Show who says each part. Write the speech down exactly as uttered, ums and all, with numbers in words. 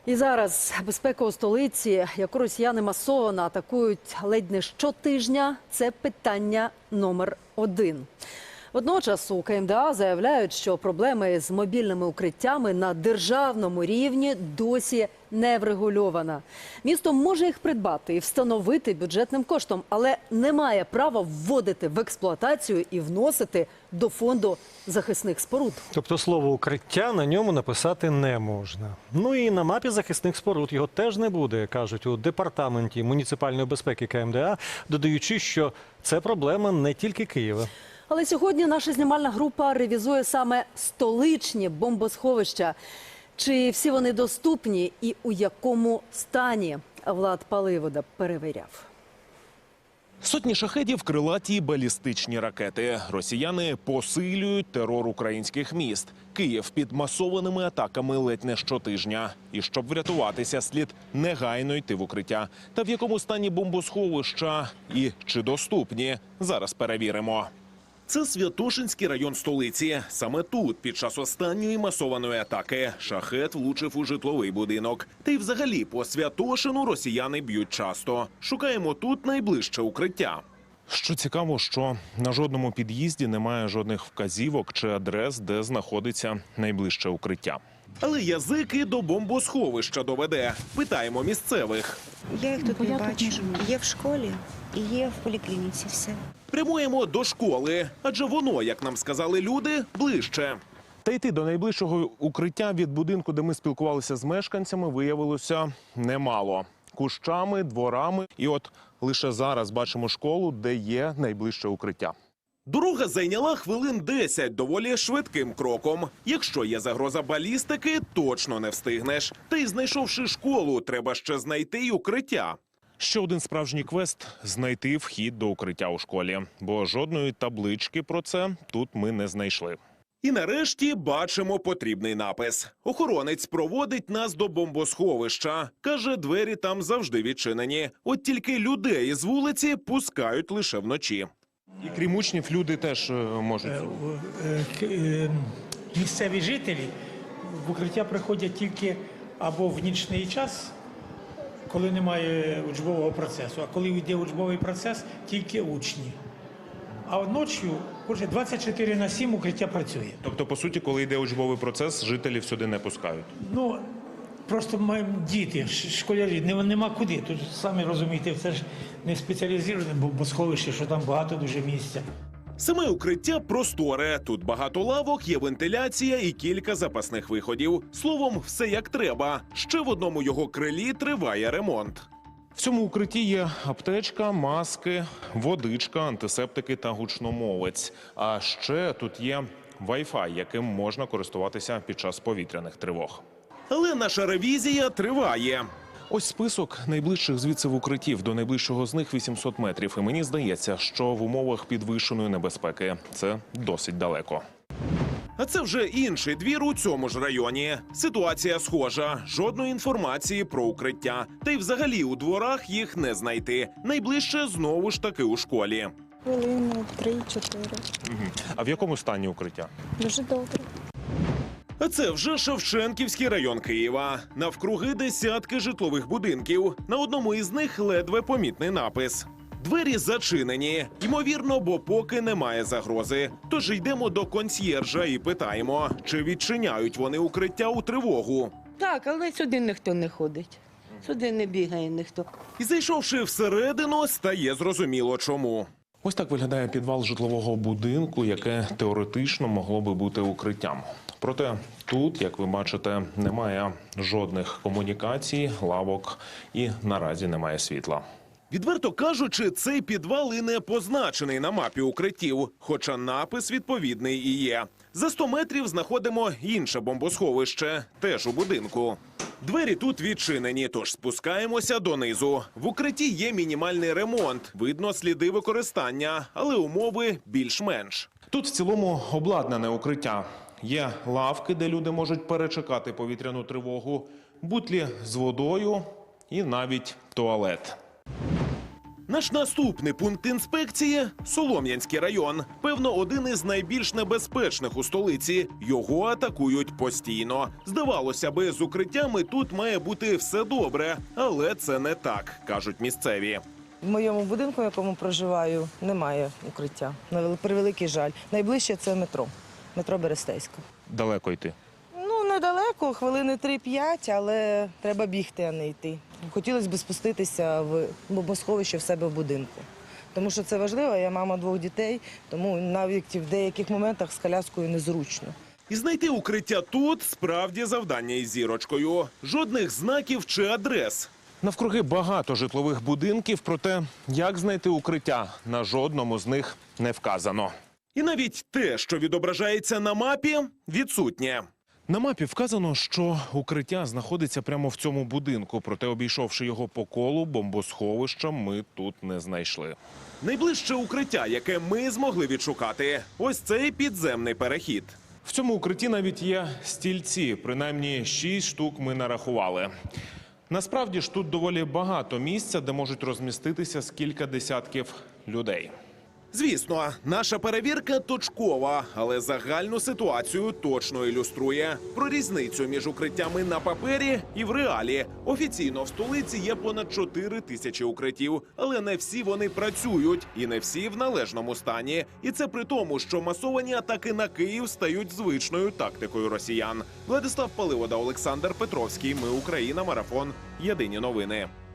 Speaker 1: І зараз безпека у столиці, яку росіяни масово атакують ледь не щотижня, це питання номер один. Водночас у КМДА заявляють, що проблеми з мобільними укриттями на державному рівні досі не врегульована. Місто може їх придбати і встановити бюджетним коштом, але не має права вводити в експлуатацію і вносити до фонду захисних споруд.
Speaker 2: Тобто слово «укриття» на ньому написати не можна. Ну і на мапі захисних споруд його теж не буде, кажуть у департаменті муніципальної безпеки КМДА, додаючи, що це проблема не тільки Києва.
Speaker 1: Але сьогодні наша знімальна група ревізує саме столичні бомбосховища. Чи всі вони доступні і у якому стані? Влад Паливода перевіряв.
Speaker 3: Сотні шахедів, крилаті й балістичні ракети. Росіяни посилюють терор українських міст. Київ під масованими атаками ледь не щотижня. І щоб врятуватися, слід негайно йти в укриття. Та в якому стані бомбосховища і чи доступні? Зараз перевіримо. Це Святошинський район столиці. Саме тут, під час останньої масованої атаки, шахед влучив у житловий будинок. Та й взагалі по Святошину росіяни б'ють часто. Шукаємо тут найближче укриття. Що цікаво, що на жодному під'їзді немає жодних вказівок чи адрес, де знаходиться найближче укриття. Але язик і до бомбосховища доведе. Питаємо місцевих.
Speaker 4: Я їх тут не бачу. Є в школі і є в поліклініці, все.
Speaker 3: Прямуємо до школи, адже воно, як нам сказали люди, ближче. Та йти до найближчого укриття від будинку, де ми спілкувалися з мешканцями, виявилося немало. Кущами, дворами. І от лише зараз бачимо школу, де є найближче укриття. Дорога зайняла хвилин десять доволі швидким кроком. Якщо є загроза балістики, точно не встигнеш. Та й знайшовши школу, треба ще знайти й укриття. Ще один справжній квест – знайти вхід до укриття у школі. Бо жодної таблички про це тут ми не знайшли. І нарешті бачимо потрібний напис. Охоронець проводить нас до бомбосховища. Каже, двері там завжди відчинені. От тільки людей з вулиці пускають лише вночі. І крім учнів, люди теж можуть.
Speaker 5: Місцеві жителі в укриття приходять тільки або в нічний час, коли немає учбового процесу, а коли йде учбовий процес, тільки учні. А вночі двадцять чотири на сім укриття працює.
Speaker 3: Тобто, по суті, коли йде учбовий процес, жителів сюди не пускають?
Speaker 5: Ну, просто маємо діти, школярі, нема куди. Тут, самі розумієте, це ж не спеціалізоване бомбосховище, що там багато дуже місця.
Speaker 3: Саме укриття просторе. Тут багато лавок, є вентиляція і кілька запасних виходів. Словом, все як треба. Ще в одному його крилі триває ремонт. В цьому укритті є аптечка, маски, водичка, антисептики та гучномовець. А ще тут є Wi-Fi, яким можна користуватися під час повітряних тривог. Але наша ревізія триває. Ось список найближчих звідси в укриттів. До найближчого з них вісімсот метрів. І мені здається, що в умовах підвищеної небезпеки це досить далеко. А це вже інший двір у цьому ж районі. Ситуація схожа. Жодної інформації про укриття. Та й взагалі у дворах їх не знайти. Найближче знову ж таки у школі.
Speaker 4: Хвилину три-чотири.
Speaker 3: Угу. А в якому стані укриття?
Speaker 4: Дуже добре.
Speaker 3: А це вже Шевченківський район Києва. Навкруги десятки житлових будинків. На одному із них ледве помітний напис. Двері зачинені. Ймовірно, бо поки немає загрози. Тож йдемо до консьєржа і питаємо, чи відчиняють вони укриття у тривогу.
Speaker 6: Так, але сюди ніхто не ходить. Сюди не бігає ніхто.
Speaker 3: І зайшовши всередину, стає зрозуміло чому. Ось так виглядає підвал житлового будинку, яке теоретично могло би бути укриттям. Проте тут, як ви бачите, немає жодних комунікацій, лавок і наразі немає світла. Відверто кажучи, цей підвал і не позначений на мапі укриттів, хоча напис відповідний і є. За сто метрів знаходимо інше бомбосховище, теж у будинку. Двері тут відчинені, тож спускаємося донизу. В укритті є мінімальний ремонт, видно сліди використання, але умови більш-менш. Тут в цілому обладнане укриття. Є лавки, де люди можуть перечекати повітряну тривогу, бутлі з водою і навіть туалет. Наш наступний пункт інспекції – Солом'янський район. Певно, один із найбільш небезпечних у столиці. Його атакують постійно. Здавалося би, з укриттями тут має бути все добре. Але це не так, кажуть місцеві.
Speaker 7: В моєму будинку, в якому проживаю, немає укриття. На вел- превеликий жаль. Найближче це метро. Метро Берестейська.
Speaker 3: Далеко йти.
Speaker 7: Ну, недалеко, хвилини три-п'ять, але треба бігти, а не йти. Хотілося б спуститися в бомбосховище в себе в будинку. Тому що це важливо, я мама двох дітей, тому навіть в деяких моментах з коляскою незручно.
Speaker 3: І знайти укриття тут справді завдання із зірочкою. Жодних знаків чи адрес. Навкруги багато житлових будинків, проте як знайти укриття, на жодному з них не вказано. І навіть те, що відображається на мапі, відсутнє. На мапі вказано, що укриття знаходиться прямо в цьому будинку, проте обійшовши його по колу, бомбосховища ми тут не знайшли. Найближче укриття, яке ми змогли відшукати, ось цей підземний перехід. В цьому укритті навіть є стільці, принаймні шість штук ми нарахували. Насправді ж тут доволі багато місця, де можуть розміститися з кілька десятків людей. Звісно, наша перевірка точкова, але загальну ситуацію точно ілюструє. Про різницю між укриттями на папері і в реалі. Офіційно в столиці є понад чотири тисячі укриттів, але не всі вони працюють і не всі в належному стані. І це при тому, що масовані атаки на Київ стають звичною тактикою росіян. Владислав Паливода, Олександр Петровський. Ми Україна. Марафон. Єдині новини.